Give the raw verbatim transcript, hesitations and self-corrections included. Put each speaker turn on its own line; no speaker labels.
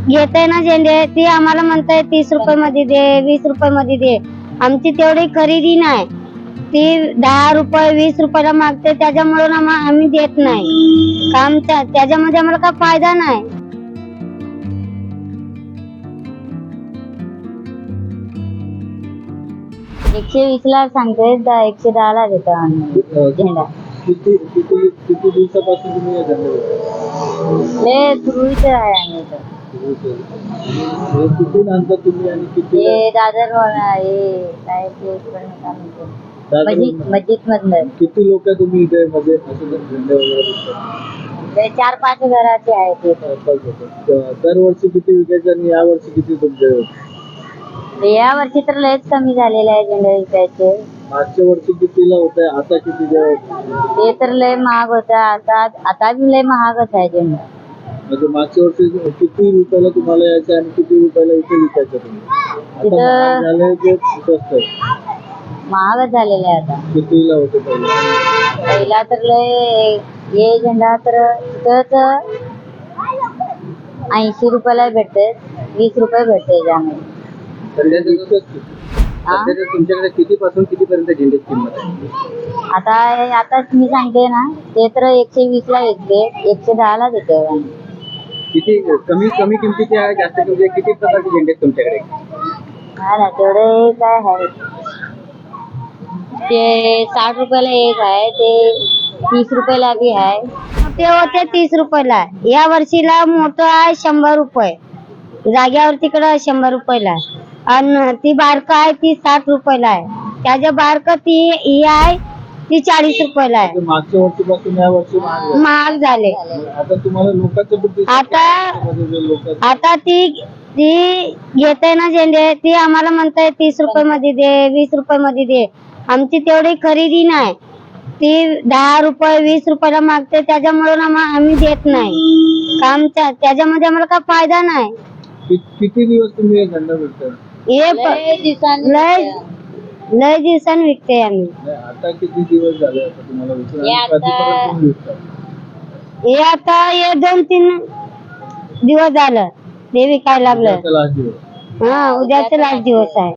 घेते ना झेंडे ती आम्हाला म्हणताय तीस रुपये मध्ये दे, वीस रुपये मध्ये दे. आमची तेवढी खरेदी नाही. ती दहा रुपये वीस रुपयाला मागते, त्याच्यामुळे आम्ही देत नाही. काम त्याच्यामध्ये आम्हाला काय फायदा नाही. एकशे वीस ला सांगते, एकशे दहा ला देतो आम्ही झेंडा.
किती किती किती दिवसापासून तुम्ही या झेंड्यावर?
लय पूर्वीच आहे आम्ही इथं.
हे कुठून आणता तुम्ही आणि किती?
हे दादर हे काय ते मस्जिद मस्जिद मधलं.
किती लोक तुम्ही इथे मध्ये असं झेंडे वगैरे विकतात?
चार पाच घराचे आहेत इथे.
दरवर्षी किती विकायचे आणि या वर्षी किती तुमचे?
या वर्षी तर लयच कमी झालेले आहे झेंडे विकायचे.
मागच्या वर्षी कितीला होते, आता किती?
ते तर लय महाग होता, आता आता बी लय महागच आहे झेंडा.
म्हणजे मागच्या वर्षी किती रुपयाला तुम्हाला यायचं आणि किती रुपयाला इथे विकायचं तुम्ही? आता झालंय की स्वस्त आहे?
महागच झालेलं आहे आता.
कितीला होते पहिला?
पहिला तर लय हे झेंडा तर तिथंच ऐंशी रुपयाला भेटते, वीस रुपये भेटते त्यामध्ये.
तुमच्याकडे किती पासून किती पर्यंत झेंड्याची किंमत आहे?
आता आता मी सांगते ना, ते तर एकशे वीस ला विकते, एकशे दहा ला देते.
किती कमी कमी किमतीचे आहे, जास्त किमती किती प्रकारचे झेंडे आहेत तुमच्याकडे?
हा ना, तेवढे काय आहे ते साठ रुपयाला एक आहे, ते तीस रुपयाला बी आहे. ते होते तीस रुपयाला. या वर्षीला मोठं आहे शंभर रुपये जाग्यावर, तिकडं शंभर रुपयाला. आणि ती बारक आहे ती साठ रुपयाला आहे. त्याच्या बारक ती ही आहे ती चाळीस रुपयाला आहे.
मागच्या वर्षीपासून या वर्षी
महाग झाले.
आता तुम्हाला लोकांचं
आता आता ती ती घेते ना झेंडे ती आम्हाला म्हणताय तीस रुपये मध्ये दे, वीस रुपये मध्ये दे. आमची तेवढी खरेदी नाही. ती दहा रुपये वीस रुपयाला मागते, त्याच्यामुळे आम्ही देत नाही. काम त्याच्यामध्ये आम्हाला काय फायदा नाही.
किती दिवस तुम्ही झेंडा विकता?
हे लय लय दिवसांनी विकते आम्ही.
आता किती दिवस झाले आता तुम्हाला विकून?
हे आता हे दोन तीन दिवस झालं ते विकायला लागलं.
लास्ट दिवस.
हा, उद्याचा लास्ट दिवस आहे.